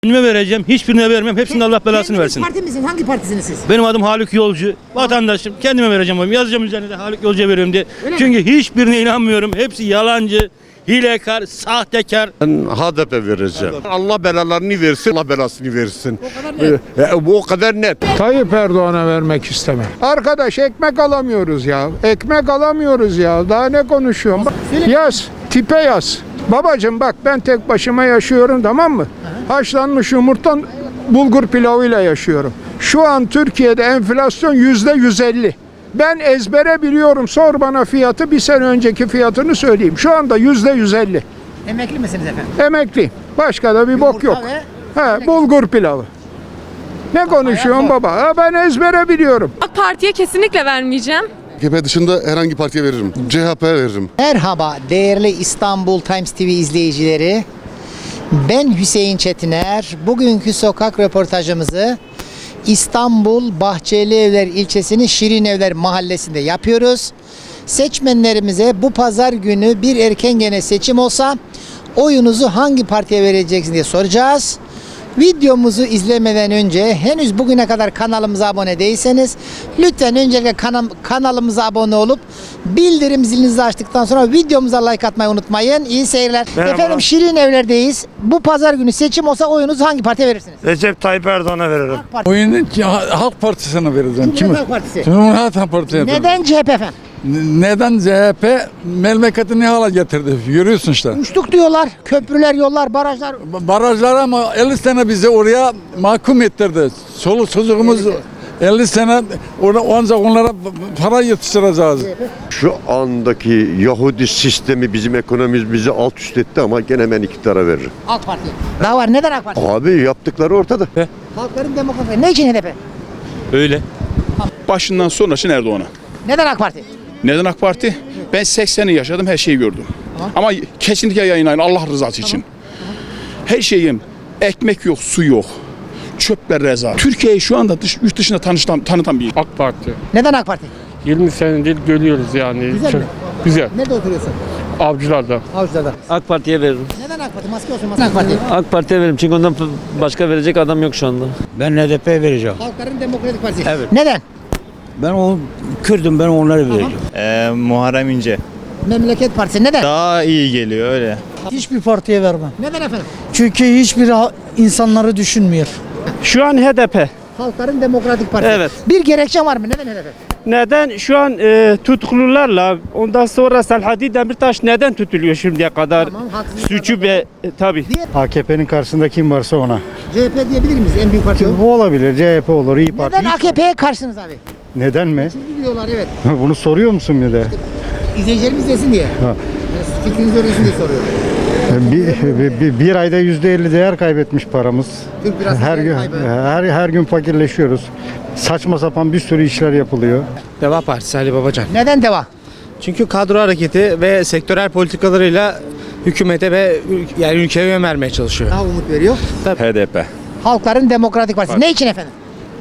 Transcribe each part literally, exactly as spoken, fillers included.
Kendime vereceğim, hiçbirine vermem. Hepsinin Allah belasını versin. Parti misin? Hangi partisiniz siz? Benim adım Haluk Yolcu. Vatandaşım. Kendime vereceğim oyumu. Yazacağım üzerine de Haluk Yolcu'ya veriyorum diye. Öyle Çünkü hiçbirine inanmıyorum. Hepsi yalancı, hilekar, sahtekar. Ben H D P vereceğim. Allah belalarını versin, Allah belasını versin. O kadar net. E, bu o kadar net. Tayyip Erdoğan'a vermek istemem. Arkadaş ekmek alamıyoruz ya. Ekmek alamıyoruz ya. Daha ne konuşuyorum? Bak, yaz. Tipe yaz. Babacım bak ben tek başıma yaşıyorum, tamam mı? Haşlanmış yumurta bulgur pilavıyla yaşıyorum. Şu an Türkiye'de enflasyon yüzde yüz elli. Ben ezbere biliyorum. Sor bana fiyatı, bir sene önceki fiyatını söyleyeyim. Şu anda yüzde yüz elli. Emekli misiniz efendim? Emekliyim. Başka da bir bok yok. He, bulgur pilavı. Ne konuşuyorsun baba? Ha, ben ezbere biliyorum. AK Parti'ye kesinlikle vermeyeceğim. A K P dışında herhangi partiye veririm. C H P'ye veririm. Merhaba değerli İstanbul Times T V izleyicileri. Ben Hüseyin Çetiner. Bugünkü sokak röportajımızı İstanbul Bahçelievler ilçesinin Şirinevler mahallesinde yapıyoruz. Seçmenlerimize bu pazar günü bir erken gene seçim olsa oyunuzu hangi partiye vereceksiniz diye soracağız. Videomuzu izlemeden önce henüz bugüne kadar kanalımıza abone değilseniz lütfen öncelikle kanal, kanalımıza abone olup bildirim zilinizi açtıktan sonra videomuza like atmayı unutmayın. İyi seyirler. Merhaba. Efendim Şirinevler'deyiz. Bu pazar günü seçim olsa oyunuzu hangi partiye verirsiniz? Recep Tayyip Erdoğan'a veririm. AK Parti. Oyunu Halk Partisi'ne vereceğim. Cumhuriyet Halk Partisi. Cumhuriyet Halk Partisi'ne. Neden C H P efendim? Neden C H P memleketi ne hale getirdi? Görüyorsun işte. Uçtuk diyorlar. Köprüler, yollar, barajlar. Barajlar ama elli sene bizi oraya mahkum ettirdi. Çoluk çocuğumuz elli sene orada ancak onlara para yetiştireceğiz. Şu andaki Yahudi sistemi bizim ekonomimiz bizi alt üst etti ama gene ben iktidara veririm. AK Parti. Daha var. Neden AK Parti? Abi yaptıkları ortada. Halkların Demokrasi. Ne için H D P? Öyle. Başından sonrası Erdoğan'a. Neden AK Parti? Neden AK Parti? Ben sekseni yaşadım, her şeyi gördüm. Tamam. Ama kesinlikle yayınlayın Allah rızası için. Her şeyim, ekmek yok, su yok. Çöpler reza. Türkiye'yi şu anda dış, yurt dışında tanıştan, tanıtan bir AK Parti. Neden AK Parti? yirmi senedir görüyoruz yani. Güzel mi? Güzel. Nerede oturuyorsun? Avcılarda. Avcılar'da. AK Parti'ye veririm. Neden AK Parti? Maske olsun maske. AK Parti. AK Parti'ye veririm çünkü ondan başka verecek adam yok şu anda. Ben H D P'ye vereceğim. Halkların Demokratik Partisi. Evet. Neden? Ben o Kürdüm, ben onları vereceğim. Ee, Muharrem İnce. Memleket Partisi. Neden? Daha iyi geliyor öyle. Hiçbir partiye vermem. Neden efendim? Çünkü hiçbir insanları düşünmüyor. Şu an H D P. Halkların Demokratik Partisi. Evet. Bir gerekçe var mı? Neden H D P? Neden? Şu an e, tutuklularla ondan sonra Selahattin Demirtaş neden tutuluyor şimdiye kadar? Tamam, haksızlık Suçu be e, tabii. A K P'nin karşısında kim varsa ona. C H P diyebilir miyiz? En büyük parti o. Bu olabilir. C H P olur, İYİ Parti. Neden A K P'ye karşısınız abi? Neden mi? Çünkü diyorlar evet. Bunu soruyor musun bir de? İzleyicilerimiz desin diye. Ha. Fikrinizi öğrensin diye soruyorum. Bir, bir, bir ayda yüzde elli değer kaybetmiş paramız. Türk biraz Her gün kaybı. her her gün fakirleşiyoruz. Saçma sapan bir sürü işler yapılıyor. Deva Partisi Ali Babacan. Neden deva? Çünkü kadro hareketi ve sektörel politikalarıyla hükümete ve yani ülkeye yön vermeye çalışıyor. Daha umut veriyor. H D P. Halkların Demokratik Partisi. Ne için efendim?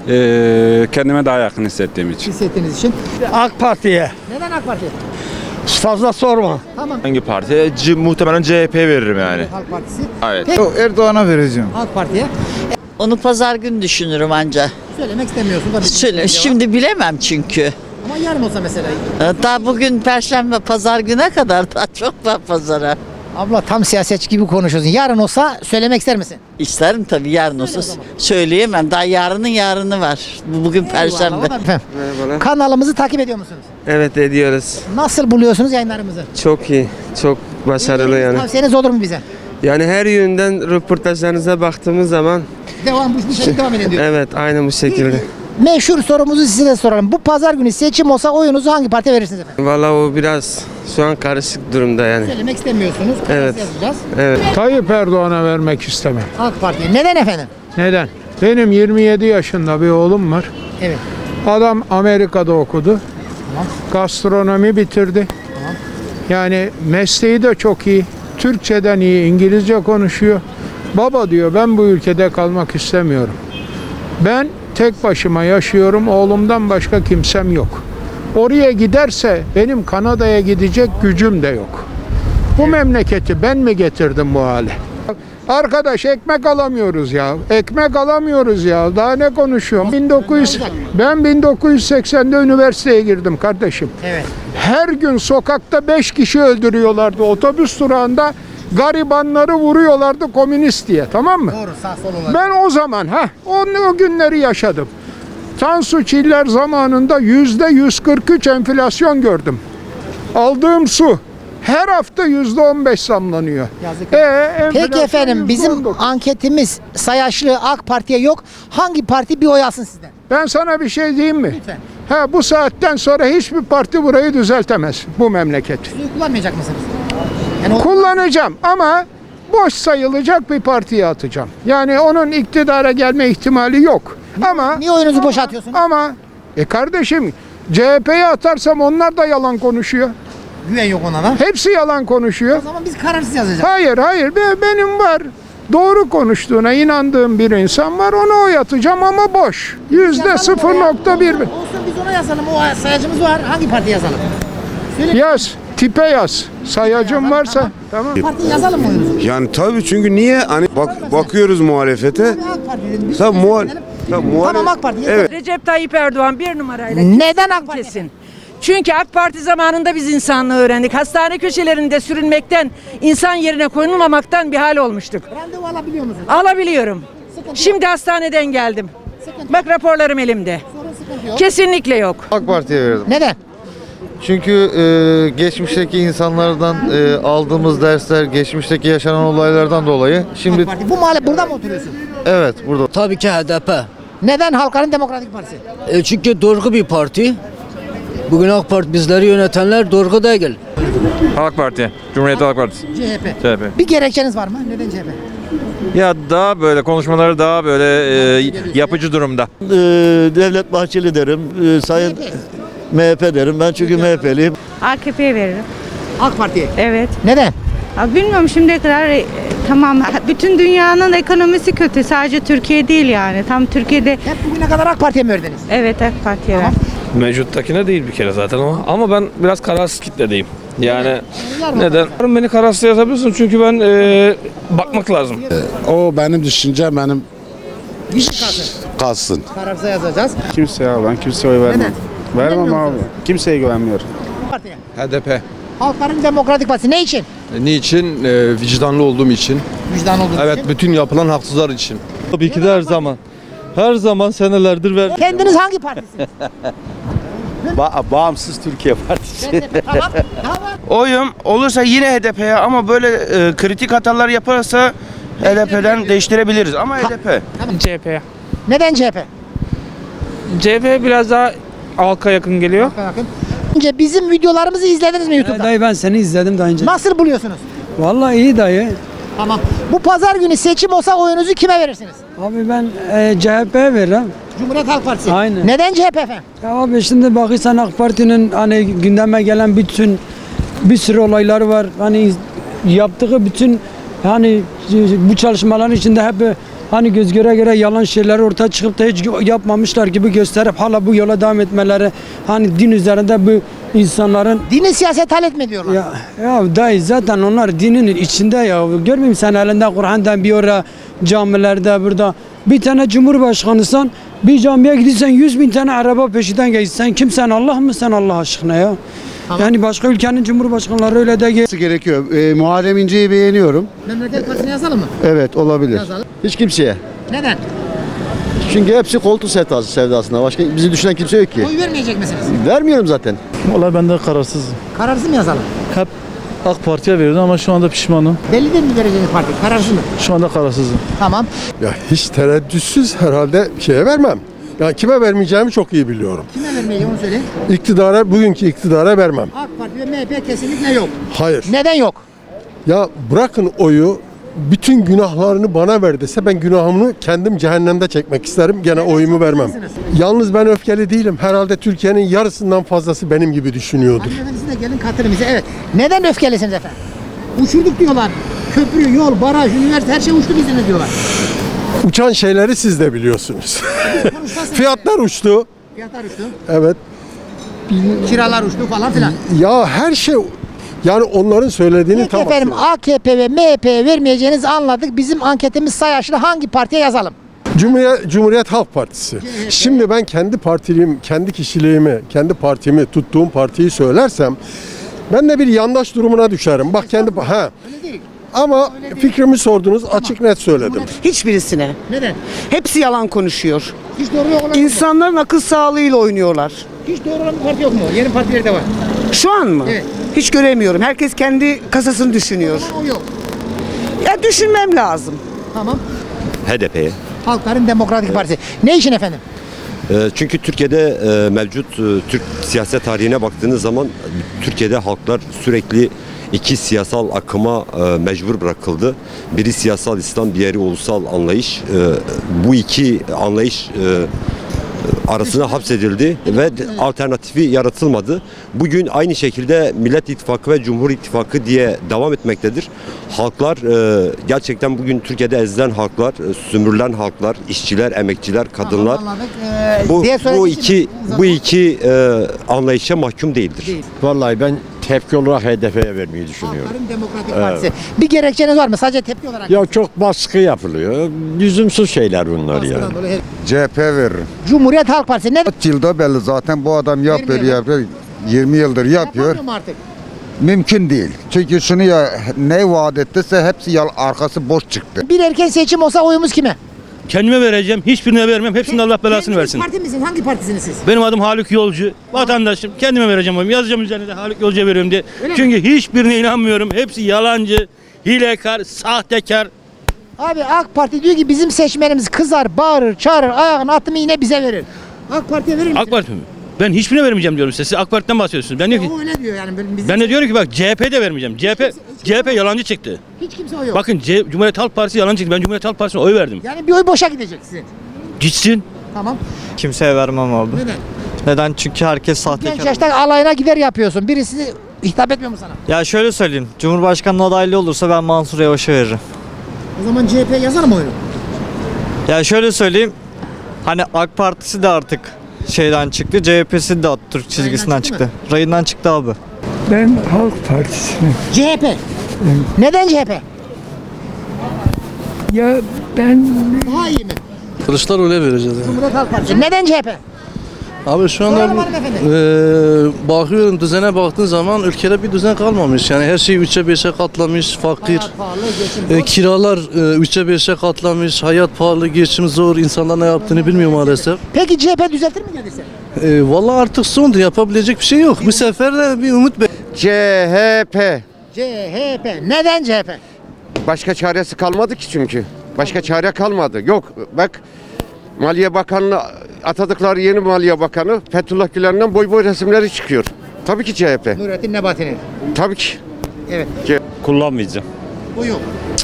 Ee, kendime daha yakın hissettiğim için. Hissettiğiniz için. AK Parti'ye. Neden AK Parti? Fazla sorma. Tamam. Hangi parti? C- muhtemelen C H P veririm yani. Halk Partisi. Evet. Peki, Erdoğan'a vereceğim. Halk Parti'ye. Onu pazar günü düşünürüm anca. Söylemek istemiyorsun da. Söyle, şimdi bilemem çünkü. Ama yarın olsa mesela. Daha bugün Perşembe pazar güne kadar daha çok var pazara. Abla tam siyasetçi gibi konuşuyorsun. Yarın olsa söylemek ister misin? İsterim tabii yarın olsa o zaman. söyleyemem. Daha yarının yarını var. Bu- Bugün Perşembe. Efendim, kanalımızı takip ediyor musunuz? Evet ediyoruz. Nasıl buluyorsunuz yayınlarımızı? Çok iyi. Çok başarılı yani. Tavsiyeniz olur mu bize? Yani her yönden röportajlarınıza baktığımız zaman Devam bu şekilde devam edin diyor. evet aynı bu şekilde. Meşhur sorumuzu size de soralım. Bu pazar günü seçim olsa oyunuzu hangi partiye verirsiniz efendim? Vallahi o biraz şu an karışık durumda yani. Söylemek istemiyorsunuz. Evet. Yazacağız. Evet. Tayyip Erdoğan'a vermek istemem. AK Parti. Neden efendim? Neden? Benim yirmi yedi yaşında bir oğlum var. Evet. Adam Amerika'da okudu. Gastronomi bitirdi. Yani mesleği de çok iyi. Türkçeden iyi, İngilizce konuşuyor. Baba diyor ben bu ülkede kalmak istemiyorum. Ben tek başıma yaşıyorum. Oğlumdan başka kimsem yok. Oraya giderse benim Kanada'ya gidecek gücüm de yok. Bu memleketi ben mi getirdim bu hale? Arkadaş ekmek alamıyoruz ya. Ekmek alamıyoruz ya. Daha ne konuşuyorum? bin dokuz yüz ben bin dokuz yüz seksende üniversiteye girdim kardeşim. Evet. Her gün sokakta beş kişi öldürüyorlardı. Otobüs durağında garibanları vuruyorlardı komünist diye. Tamam mı? Doğru, sağ sol olarak. Ben o zaman ha o, o günleri yaşadım. Tansu Çiller zamanında yüzde yüz kırk üç enflasyon gördüm. Aldığım su her hafta yüzde on beş zamlanıyor. Yazık. E, enflasyon Peki efendim, yüzde bizim on dokuz. anketimiz sayaçlı AK Parti'ye yok. Hangi parti bir oy alsın sizden? Ben sana bir şey diyeyim mi? Lütfen. Ha, bu saatten sonra hiçbir parti burayı düzeltemez. Bu memleket. Suyu kullanmayacak mısınız? Yani o- Kullanacağım ama boş sayılacak bir partiye atacağım. Yani onun iktidara gelme ihtimali yok. Ama Niye oyunuzu boşa atıyorsunuz? ama e kardeşim C H P'ye atarsam onlar da yalan konuşuyor. Güven yok ona da. Hepsi yalan konuşuyor. O zaman biz kararsız yazacağız. Hayır hayır be- benim var. Doğru konuştuğuna inandığım bir insan var, ona oy atacağım ama boş. Yüzde sıfır nokta bir. Olsun, biz ona yazalım. O sayacımız var. Hangi parti yazalım? Söyle. Yaz, tipe yaz. Sayacım varsa tamam. Parti yazalım mı oyunuzu? Yani tabii çünkü niye hani bak bakıyoruz muhalefete. AK Parti dedim. Biz Tabii de muhal seçelim. tabii muhale- Tamam, AK Parti. Evet. Recep Tayyip Erdoğan bir numarayla. Neden AK Parti? Kesin. Çünkü AK Parti zamanında biz insanlığı öğrendik. Hastane köşelerinde sürünmekten, insan yerine koyulmamaktan bir hal olmuştuk. Randevu alabiliyor musunuz? Alabiliyorum. Şimdi hastaneden geldim. Bak raporlarım elimde. Sorun, sıkıntı yok. Kesinlikle yok. AK Parti'ye verdim. Neden? Çünkü e, geçmişteki insanlardan e, aldığımız dersler, geçmişteki yaşanan olaylardan dolayı şimdi AK Parti. Bu mahalle burada mı oturuyorsun? evet burada. Tabii ki H D P. Neden Halkların Demokratik Partisi? E çünkü doğru bir parti. Bugün AK Parti bizleri yönetenler doğru değil. AK Parti. Cumhuriyet Halk Partisi. C H P. C H P. Bir gerekçeniz var mı? Neden C H P? Ya daha böyle konuşmaları daha böyle e, yapıcı durumda. Devlet Bahçeli derim. Sayın M H P derim. Ben çünkü M H P'liyim. A K P'ye veririm. AK Parti'ye. Evet. Neden? Abi bilmiyorum şimdiye kadar e, tamam bütün dünyanın ekonomisi kötü. Sadece Türkiye değil yani. Tam Türkiye'de Hep bugüne kadar AK Parti'ye mi verdiniz? evet AK Parti'ye Tamam. verdim. Mevcuttakine değil bir kere zaten o. Ama ben biraz kararsız kitledeyim. Yani Var mı? neden? Beni kararsız yazabilirsin çünkü ben e, bakmak lazım. O benim düşüncem benim Gizli kalsın. kalsın. Kararsız yazacağız. Kimse ya ben kimseye oy vermem. Neden? Vermem Vermiyor abi. musunuz? Kimseye güvenmiyorum. Partiye. H D P. Halkların Demokratik Partisi ne için? Niçin? E, vicdanlı olduğum için. Vicdan olduğu Evet, için. bütün yapılan haksızlar için. Tabii ki de her zaman. Her zaman senelerdir ver. Kendiniz hangi partisiniz? Bağımsız Türkiye Partisi. Ben de- tamam. Tamam. Oyum olursa yine H D P'ye ama böyle e, kritik hatalar yaparsa H D P'den değiştirebiliriz ama H D P. C H P'ye. Neden C H P? C H P biraz daha halka yakın geliyor. Bakın. Önce bizim videolarımızı izlediniz mi YouTube'da? Dayı ben seni izledim daha önce. Nasıl buluyorsunuz? Vallahi iyi dayı. Tamam. Bu pazar günü seçim olsa oyunuzu kime verirsiniz? Abi ben e, C H P'ye veririm. Cumhuriyet Halk Partisi. Aynen. Neden C H P efendim? Ya abi şimdi bakırsan AK Parti'nin hani gündeme gelen bütün bir sürü olayları var. Hani yaptığı bütün hani bu çalışmaların içinde hep hani göz göre göre yalan şeyler ortaya çıkıp da hiç yapmamışlar gibi gösterip hala bu yola devam etmeleri hani din üzerinde bu insanların Dini siyaset halletme diyorlar. ya, ya dayı zaten onlar dinin içinde ya görmüyor musun sen elinde Kur'an'dan bir ara camilerde burada bir tane cumhurbaşkanısan bir camiye gidiyorsan yüz bin tane araba peşinden geçsen kimsen Allah mı sen Allah aşkına ya? Tamam. Yani başka ülkenin cumhurbaşkanları öyle de Gerekiyor. E, Muharrem İnce'yi beğeniyorum. Memleket Partisi'ne yazalım mı? Evet olabilir. Yazalım. Hiç kimseye. Neden? Çünkü hepsi koltuk sevdası, sevdasında. Başka bizi düşünen kimse yok ki. Oy vermeyecek misiniz? Vermiyorum zaten. Vallahi ben de kararsızım. Kararsız mı yazalım? Hep AK Parti'ye veriyordum ama şu anda pişmanım. Belli değil mi vereceğiniz parti? Kararsız mı? Şu anda kararsızım. Tamam. Ya hiç tereddütsüz herhalde şeye vermem. Ya kime vermeyeceğimi çok iyi biliyorum. Kime vermeyi onu söyleyin. İktidara, bugünkü iktidara vermem. AK Parti ve M H P kesinlikle yok. Hayır. Neden yok? Ya bırakın oyu, bütün günahlarını bana ver dese ben günahımı kendim cehennemde çekmek isterim. Gene oyumu vermem. Yalnız ben öfkeli değilim. Herhalde Türkiye'nin yarısından fazlası benim gibi düşünüyordur. Hanımefendi siz de gelin katılın bize. Evet. Neden öfkelisiniz efendim? Uçurduk diyorlar. Köprü, yol, baraj, üniversite her şey uçtu bizden diyorlar. Uçan şeyleri siz de biliyorsunuz. Fiyatlar uçtu. Fiyatlar uçtu. Evet. Kiralar uçtu falan filan. Ya her şey Yani onların söylediğini Peki tam efendim aksine. A K P ve M H P'ye vermeyeceğinizi anladık. Bizim anketimiz sayaçlı, hangi partiye yazalım? Cumhuriyet, Cumhuriyet Halk Partisi. Şimdi ben kendi partiliyim, kendi kişiliğimi, kendi partimi, tuttuğum partiyi söylersem ben de bir yandaş durumuna düşerim. Bak kendi ha. Ama fikrimi sordunuz, açık net söyledim. Hiçbirisine. Neden? Hepsi yalan konuşuyor. Hiç doğru yok olan İnsanların akıl sağlığıyla oynuyorlar. Hiç doğru olan bir parti yok mu? Yeni partiler de var. Şu an mı? Evet. Hiç göremiyorum. Herkes kendi kasasını düşünüyor. O yok. Ya düşünmem lazım. Tamam. H D P'ye. Halkların Demokratik Partisi. Ne için efendim? Çünkü Türkiye'de e, mevcut e, Türk siyaset tarihine baktığınız zaman Türkiye'de halklar sürekli iki siyasal akıma e, mecbur bırakıldı. Biri siyasal İslam, diğeri ulusal anlayış. E, bu iki anlayış e, arasına hapsedildi ve alternatifi yaratılmadı. Bugün aynı şekilde Millet İttifakı ve Cumhur İttifakı diye devam etmektedir. Halklar e, gerçekten bugün Türkiye'de ezilen halklar, e, sömürülen halklar, işçiler, emekçiler, kadınlar Ee, bu diğer bu söylediği iki için- bu iki e, anlayışa mahkum değildir. Değil. Vallahi ben tepki olarak H D P'ye vermeyi düşünüyorum. Halkların Demokratik Partisi. Bir gerekçeniz var mı? Sadece tepki olarak. Ya çok baskı yapılıyor. Lüzumsuz şeyler bunlar yani. Baskıdan dolayı. C H P veririm. Cumhuriyet Halk Partisi. Ne? Kaç yılda belli zaten bu adam yapıyor Vermiyor. yapıyor. yirmi yıldır yapıyor. Yapamıyor mu artık? Mümkün değil. Çünkü şunu ya ne vaat ettiyse hepsi yal arkası boş çıktı. Bir erken seçim olsa oyumuz kime? Kendime vereceğim. Hiçbirine vermem. Hepsinin Allah belasını Kendiniz versin. Parti misin? Hangi partisiniz siz? Benim adım Haluk Yolcu. Vatandaşım. Kendime vereceğim oyumu. Yazacağım üzerine de Haluk Yolcu'ya veriyorum diye. Öyle mi? Çünkü hiçbirine inanmıyorum. Hepsi yalancı, hilekar, sahtekar. Abi AK Parti diyor ki bizim seçmenimiz kızar, bağırır, çağırır, ayağını attı mı yine bize verir. AK Parti'ye verir misin? AK Parti mi? Ben hiçbirine vermeyeceğim diyorum size. Siz AK Parti'den bahsediyorsunuz. Ben diyorum ki O öyle diyor yani. Bizim ben de diyorum ki bak C H P'de vermeyeceğim. C H P C H P yalancı çıktı. hiç kimse oy yok. Bakın C- Cumhuriyet Halk Partisi yalancı çıktı. Ben Cumhuriyet Halk Partisi'ne oy verdim. Yani bir oy boşa gidecek sizin. Gitsin. Tamam. Kimseye vermem abi. Neden? Neden? Çünkü herkes Genç yaşta alayına gider yapıyorsun. Birisi hitap etmiyor mu sana? Ya şöyle söyleyeyim. Cumhurbaşkanlığı adaylığı olursa ben Mansur Yavaş'a veririm. O zaman C H P yazar mı oyunu? Ya şöyle söyleyeyim. Hani AK Partisi de artık şeyden çıktı. C H P'si de Atatürk çizgisinden çıktı çıktı. Rayından çıktı abi. Ben Halk Partisi'ne. C H P. Neden C H P? Ya ben Daha iyi mi? Kılıçdaroğlu'ya vereceğiz yani. Cumhuriyet Halk Partisi. Neden C H P? Abi şu anda Soralım hanımefendi. e, bakıyorum düzene baktığın zaman ülkede bir düzen kalmamış. Yani her şey üçe beşe katlamış, fakir. Hayat pahalı, geçim E, zor. kiralar e, üçe beşe katlamış, hayat pahalı, geçim zor, insanlar ne yaptığını bilmiyor maalesef. Peki C H P düzeltir mi gelirse? E, vallahi artık sondur, yapabilecek bir şey yok. Bu sefer de bir umut be. C H P. C H P. Neden C H P? Başka çaresi kalmadı ki çünkü. Başka çare kalmadı. Yok bak Maliye Bakanı'nı atadıkları yeni Maliye Bakanı Fethullah Gülen'den boy boy resimleri çıkıyor. Tabii ki C H P. Nurettin Nebati'nin. Tabii ki. Evet. Kullanmayacağım. Bu yok.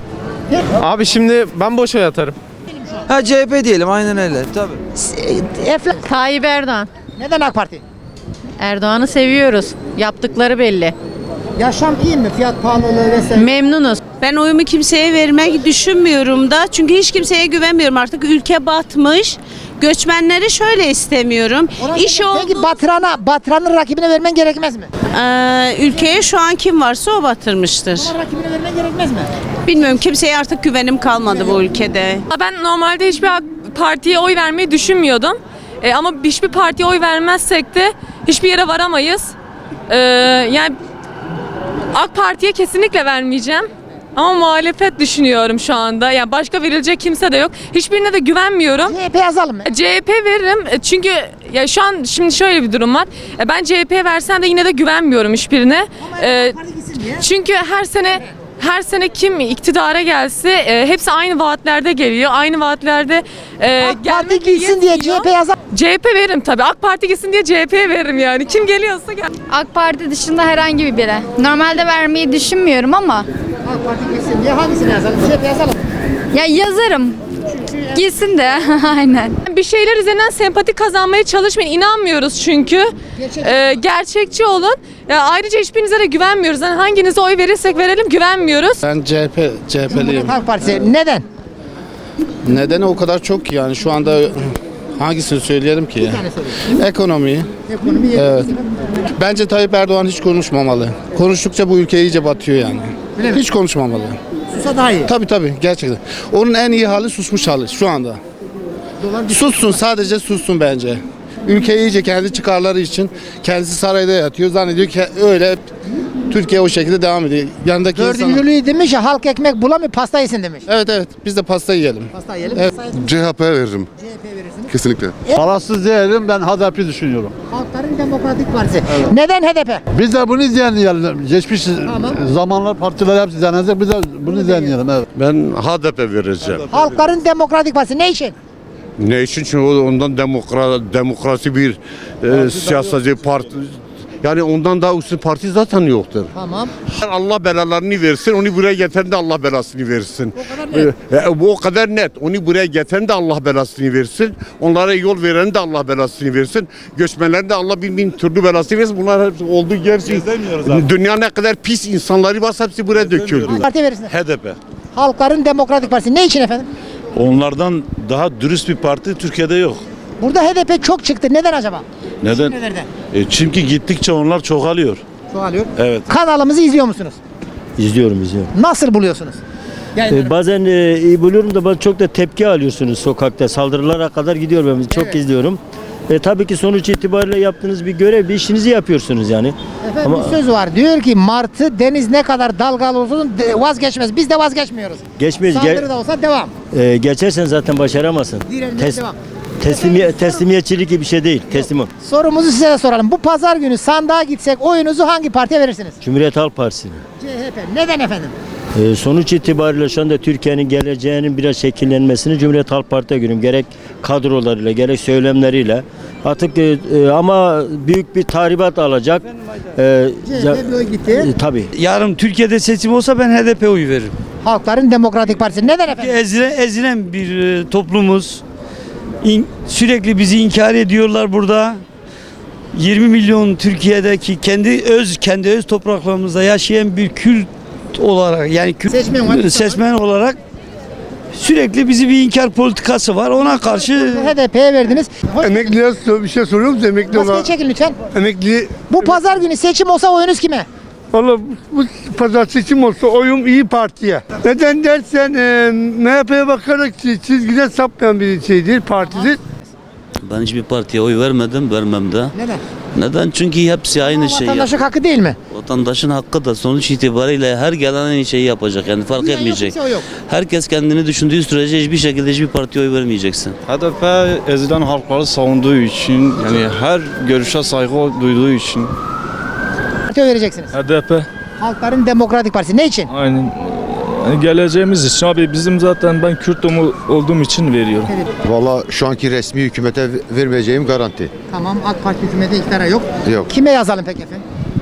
Abi şimdi ben boş oy atarım. Ha C H P diyelim aynen öyle tabii. Efla. Tayyip Erdoğan. Neden AK Parti? Erdoğan'ı seviyoruz. Yaptıkları belli. Yaşam iyi mi? Fiyat pahalılığı vesaire. Memnunuz. Ben oyumu kimseye vermek düşünmüyorum da. Çünkü hiç kimseye güvenmiyorum. Artık ülke batmış. Göçmenleri şöyle istemiyorum. Ona İş göre- Peki oldu. Batıran'a, Batıran'ın rakibine vermen gerekmez mi? Ee, ülkeye şu an kim varsa o batırmıştır. Ona rakibine vermen gerekmez mi? Bilmiyorum, kimseye artık güvenim kalmadı bu ülkede. Ben normalde hiçbir partiye oy vermeyi düşünmüyordum. E, ama hiçbir partiye oy vermezsek de hiçbir yere varamayız. E, yani AK Parti'ye kesinlikle vermeyeceğim. Ama muhalefet düşünüyorum şu anda. Yani başka verilecek kimse de yok. Hiçbirine de güvenmiyorum. C H P yazalım mı? C H P veririm E, çünkü ya şu an şimdi şöyle bir durum var. E, Ben C H P'ye versem de yine de güvenmiyorum hiçbirine. E, çünkü her sene her sene kim iktidara gelse e, hepsi aynı vaatlerde geliyor. Aynı vaatlerde e, AK Parti gelmek gitsin diye C H P yazar. C H P veririm tabii. AK Parti gitsin diye C H P'ye veririm yani. Kim geliyorsa gel. AK Parti dışında herhangi bir bire. Normalde vermeyi düşünmüyorum ama AK Parti gitsin diye hangisini yazalım? C H P yazalım. ya yazarım. Gitsin de aynen. Bir şeyler üzerinden sempati kazanmaya çalışmayın. İnanmıyoruz çünkü. Gerçekçi Ee, gerçekçi olun. Ya ayrıca hiçbirinize de güvenmiyoruz. Yani hanginize oy verirsek verelim güvenmiyoruz. Ben C H P, C H P'liyim. Cumhuriyet Halk Partisi. Neden? Nedeni o kadar çok ki yani şu anda Hangisini söyleyelim ki? Bir tane söyleyin. Ekonomiyi. Ekonomi yeri. Evet. Bence Tayyip Erdoğan hiç konuşmamalı. Konuştukça bu ülke iyice batıyor yani. Öyle mi? Hiç konuşmamalı. Susa daha iyi. Tabii tabii gerçekten. Onun en iyi hali susmuş hali şu anda. Dolar Sussun, sadece sussun bence. Ülke iyice kendi çıkarları için kendisi sarayda yatıyor. Zannediyor ki öyle Türkiye o şekilde devam ediyor. Yanındaki insanlar... Dördüncülüğü demiş ya, halk ekmek bulamıyor, pasta yesin demiş. Evet evet, biz de pasta yiyelim. Pasta yiyelim. Evet. C H P'ye veririm. C H P verirsiniz. Kesinlikle. Parasız değilim, ben H D P düşünüyorum. Halkların Demokratik Partisi. Neden H D P? Biz de bunu izleyelim. Geçmiş Tamam. zamanlar partiler hepsi izlenecek, biz de bunu izleyelim. Evet. Ben H D P vereceğim. Halkların Demokratik Partisi ne için? Ne için? Çünkü ondan demokra, demokrasi bir e, siyasi parti. Yani ondan daha üstün parti zaten yoktur. Tamam. Allah belalarını versin, onu buraya getiren de Allah belasını versin. O kadar net. E, bu o kadar net. Onu buraya getiren de Allah belasını versin. Onlara yol veren de Allah belasını versin. Göçmenlerin de Allah bin bin türlü belasını versin. Bunlar hepsi olduğu gerçi. Dünya ne kadar pis insanları varsa hepsi buraya döküldü. Parti verirsiniz. H D P. Halkların Demokratik Partisi ne için efendim? Onlardan daha dürüst bir parti Türkiye'de yok. Burada H D P çok çıktı. Neden acaba? Neden? Nereden? E, çünkü gittikçe onlar çoğalıyor. Çoğalıyor. Evet. Kanalımızı izliyor musunuz? İzliyorum izliyorum. Nasıl buluyorsunuz? Ee, bazen e, iyi buluyorum da bazen çok da tepki alıyorsunuz sokakta. Saldırılara kadar gidiyor ben çok Evet. izliyorum. E, tabii ki sonuç itibariyle yaptığınız bir görev, bir işinizi yapıyorsunuz yani. Efendim Ama bir söz var. Diyor ki martı deniz ne kadar dalgalı olsun de- vazgeçmez. Biz de vazgeçmiyoruz. geçmeyiz. Saldırı Ge- da olsa devam. e, geçersen zaten başaramazsın. Direnmeye Tes- devam. teslimiye- teslimiyetçilik gibi bir şey değil. Teslim ol. Sorumuzu size de soralım. Bu pazar günü sandığa gitsek oyunuzu hangi partiye verirsiniz? Cumhuriyet Halk Partisi. C H P. Neden efendim? E, sonuç itibariyle şu anda Türkiye'nin geleceğinin biraz şekillenmesini Cumhuriyet Halk Parti'ye görüyorum. Gerek kadrolarıyla, gerek söylemleriyle. Artık e, e, ama büyük bir tahribat alacak. E, C H P bir oy gitti. e, tabii. Yarın Türkiye'de seçim olsa ben H D P oy veririm. Halkların Demokratik Partisi. Neden efendim? Ezilen, ezilen bir e, toplumuz. İn- sürekli bizi inkar ediyorlar burada. yirmi milyon Türkiye'deki kendi öz kendi öz topraklarımızda yaşayan bir Kürt olarak yani Kürt Seçmen var. seçmen olarak sürekli bizi bir inkar politikası var. Ona karşı H D P'ye verdiniz. Emekliye bir şey soruyor musun? Emekli Maskeyi çekin lütfen. Emekli. Bu pazar günü seçim olsa oyunuz kime? Valla bu pazar seçim olsa oyum İyi Parti'ye. Neden dersen e, M H P'ye bakarak çizgide sapmayan bir şeydir, partidir. Ben hiçbir partiye oy vermedim, vermem de. Neden? Neden? Çünkü hepsi aynı şey. Vatandaşlık hakkı değil mi? Vatandaşın hakkı da sonuç itibariyle her gelen aynı şeyi yapacak. Yani fark Duyan yok, etmeyecek. kimse o yok. Herkes kendini düşündüğü sürece hiçbir şekilde hiçbir partiye oy vermeyeceksin. H D P ezilen halkları savunduğu için, yani her görüşe saygı duyduğu için. Partiye vereceksiniz. H D P. Halkların Demokratik Partisi. Ne için? Aynen. Yani geleceğimiz için abi bizim zaten ben Kürt olduğum için veriyorum. Valla şu anki resmi hükümete vermeyeceğim garanti. Tamam, AK Parti hükümeti iktidara yok. Yok. Kime yazalım peki efendim?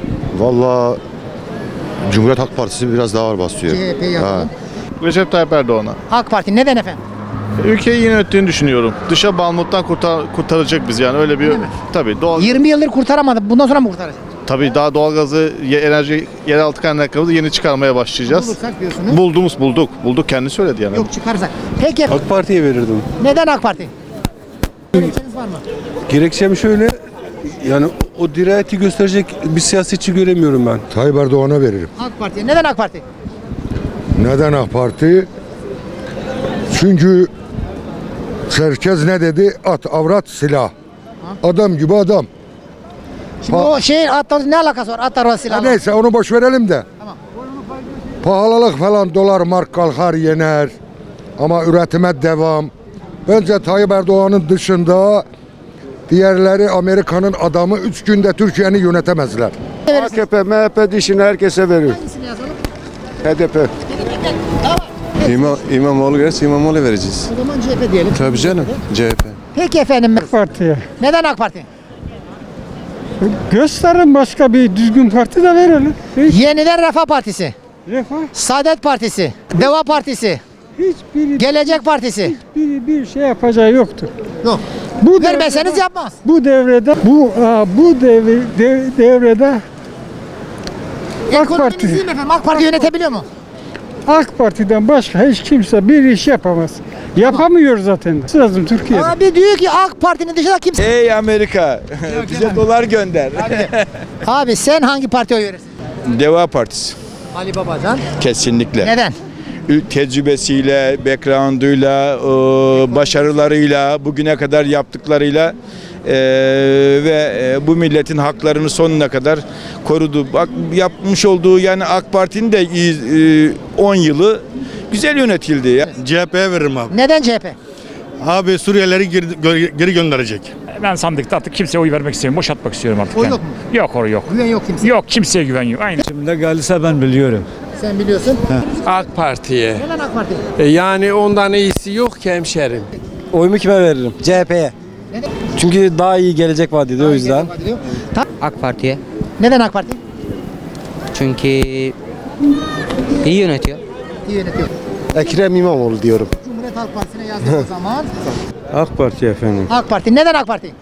Valla Cumhuriyet Halk Partisi biraz daha ağır basıyor. C H P yazalım. Recep Tayyip Erdoğan'a. AK Parti neden efendim? Ülkeyi yönettiğini düşünüyorum. Dışa bağımlılıktan kurtar, kurtaracak biz yani öyle bir tabii doğal yirmi yıldır kurtaramadı. Bundan sonra mı kurtaracak? tabii daha doğalgazı, ye- enerji, yeraltı kaynaklarımızı yeni çıkarmaya başlayacağız. Bulursak diyorsunuz. Bulduğumuz bulduk. Bulduk kendi söyledi yani. Yok çıkarsak. Peki AK Parti'ye verirdim. neden AK Parti? Gerekçeniz var mı? Gerekçem şöyle, yani o dirayeti gösterecek bir siyasetçi göremiyorum ben. Tayyip Erdoğan'a veririm. AK Parti. Neden AK Parti? Neden AK Parti? Çünkü Çerkez ne dedi? At, avrat, silah. Adam gibi adam. Şimdi o şey atlar ne alakası var? Atlar var silahla. Neyse onu boş verelim de. Tamam. Pahalılık falan dolar mark kalkar yener. Ama üretime devam. Bence Tayyip Erdoğan'ın dışında diğerleri Amerika'nın adamı üç günde Türkiye'ni yönetemezler. A K P, M H P dişini herkese verir. Hangisini yazalım? H D P. İmam, İmamoğlu gelirse İmamoğlu vereceğiz. O zaman C H P diyelim. Tabii canım, C H P. Peki efendim. AK Parti'ye. Neden AK Parti? Gösterin başka bir düzgün parti de verelim. Yeniden Refah Partisi. Refah. Saadet Partisi. Deva Partisi. Hiçbiri, Gelecek Partisi. hiçbiri bir şey yapacağı yoktur. Yok. Bu Vermeseniz devrede- yapmaz. Bu devrede bu aa, bu devre, dev- devrede AK Ekonominiz Parti iyi mi efendim? AK Parti yönetebiliyor mu? AK Parti'den başka hiç kimse bir iş yapamaz. Yapamıyor zaten. Lazım Türkiye'de. Abi diyor ki AK Parti'nin dışında kimse. Ey Amerika, bize dolar gönder. Abi sen hangi partiye oy verirsin? Deva Partisi. Ali Babacan. Kesinlikle. Neden? Tecrübesiyle, background'uyla, başarılarıyla, bugüne kadar yaptıklarıyla ve bu milletin haklarını sonuna kadar korudu. Bak yapmış olduğu yani AK Parti'nin de on yılı güzel yönetildi. C H P'ye veririm abi. Neden C H P? Abi Suriyelileri geri, geri gönderecek. Ben sandıkta artık kimseye oy vermek istemiyorum. Boş atmak istiyorum artık. O yani. yok mu? Yok o yok. Güven yok kimseye. Yok kimseye güven yok. Aynen. Şimdi gelirse ben biliyorum. Sen biliyorsun. AK Parti'ye. Neden AK Parti? E yani ondan iyisi yok ki hemşerim. Oyumu kime veririm? C H P'ye. Neden? Çünkü daha iyi gelecek vaat ediyor o yüzden. AK Parti'ye. Neden AK Parti? Çünkü iyi yönetiyor. İyi yönetiyor. Ekrem İmamoğlu diyorum. Cumhuriyet Halk Partisi'ne yazdık o zaman. AK Parti efendim. AK Parti. Neden AK Parti?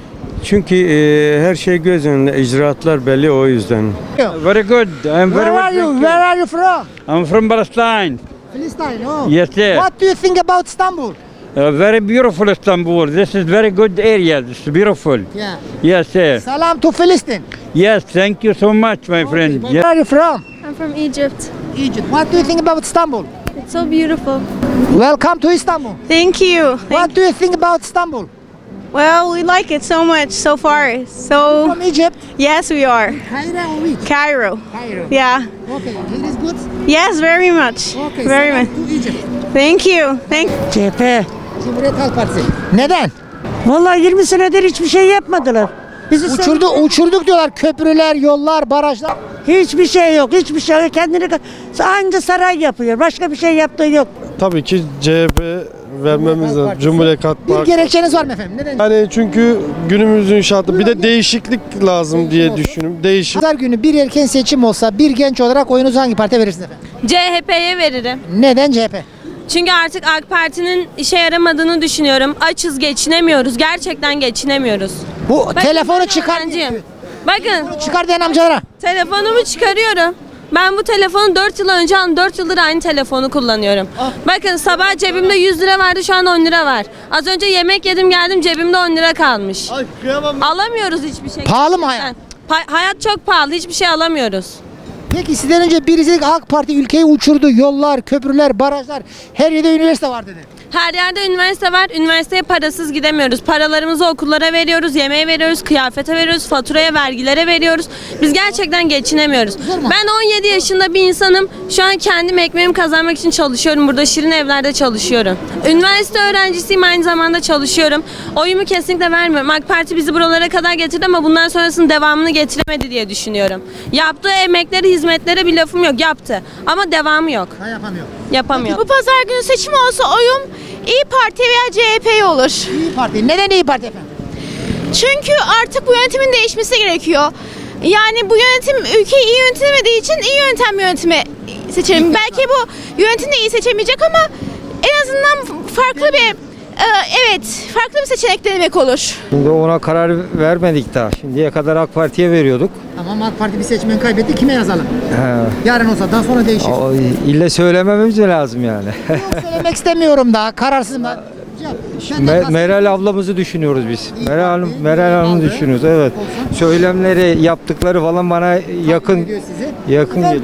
Çünkü e, her şey göz önünde, icraatlar belli o yüzden. Very good. I'm Where are you? Where are you from? I'm from Palestine. Palestine. Oh. Yes, sir. What do you think about Istanbul? Uh, very beautiful Istanbul. This is very good area. This is beautiful. Yeah. Yes, sir. Salam to Palestine. Yes, thank you so much, my friend. Where are you from? I'm from Egypt. Egypt. What do you think about Istanbul? It's so beautiful. Welcome to Istanbul. Thank you. What do you think about Istanbul? Well, we like it so much so far. So From Egypt. yes, we are. Cairo or which? Cairo. Cairo. Yeah. Okay. It is good. Yes, very much. Okay. Very salam much. to Egypt. Thank you. Thank. C H P. Cumhuriyet Halk Partisi. Neden? Vallahi yirmi senedir hiçbir şey yapmadılar. Bizi Uçurdu, uçurduk diyorlar. Köprüler, yollar, barajlar. Hiçbir şey yok. Hiçbir şey yok. Kendini anca saray yapıyor. Başka bir şey yaptığı yok. Tabii ki C H P vermemiz lazım. Cumhuriyet Halk Bir Partisi. gerekçeniz var mı efendim? Neden? Yani çünkü günümüzün şartı bir de değişiklik lazım diye düşünüyorum. Değişik. Pazar günü bir erken seçim olsa bir genç olarak oyunuzu hangi partiye verirsiniz efendim? C H P'ye veririm. Neden C H P? Çünkü artık AK Parti'nin işe yaramadığını düşünüyorum. Açız, geçinemiyoruz. Gerçekten geçinemiyoruz. Bu Bakın, telefonu ben çıkar. öğrenciyim. Bakın. Çıkar diyen amcalara. Telefonumu çıkarıyorum. Ben bu telefonu dört yıl önce aldım. dört yıldır aynı telefonu kullanıyorum. Bakın sabah cebimde yüz lira vardı, şu an on lira var. Az önce yemek yedim geldim, cebimde on lira kalmış. Alamıyoruz hiçbir şey. Pahalı mı hayat? Pa- hayat çok pahalı, hiçbir şey alamıyoruz. Peki sizden önce birisi dedi ki AK Parti ülkeyi uçurdu. Yollar, köprüler, barajlar. Her yerde üniversite var dedi. Her yerde üniversite var. Üniversiteye parasız gidemiyoruz. Paralarımızı okullara veriyoruz, yemeğe veriyoruz, kıyafete veriyoruz, faturaya, vergilere veriyoruz. Biz gerçekten geçinemiyoruz. Ben on yedi yaşında bir insanım. Şu an kendim ekmeğimi kazanmak için çalışıyorum. Burada şirin evlerde çalışıyorum. Üniversite öğrencisiyim, aynı zamanda çalışıyorum. Oyumu kesinlikle vermiyorum. AK Parti bizi buralara kadar getirdi ama bundan sonrasının devamını getiremedi diye düşünüyorum. Yaptığı emekleri, hizmetlere bir lafım yok. Yaptı. Ama devamı yok. Ha, yapamıyor. Yapamıyor. Bu pazar günü seçim olsa oyum İyi Parti veya C H P olur. İyi Parti. Neden İyi Parti efendim? Çünkü artık bu yönetimin değişmesi gerekiyor. Yani bu yönetim ülkeyi iyi yönetemediği için iyi yöntem yönetimi seçelim. Belki bu yönetim de iyi seçemeyecek ama en azından farklı bir e, evet farklı bir seçenek denemek olur. Şimdi ona karar vermedik daha. Şimdiye kadar AK Parti'ye veriyorduk. Tamam AK Parti bir seçmen kaybetti. Kime yazalım? He. Yarın olsa daha sonra değişir. O, ille söylemememiz mi lazım yani? Yok, söylemek istemiyorum daha. Kararsızım da. Me- Meral ablamızı düşünüyoruz biz. Meral Hanım, Meral Hanım'ı düşünüyoruz. Evet. Söylemleri, yaptıkları falan bana yakın yakın geliyor.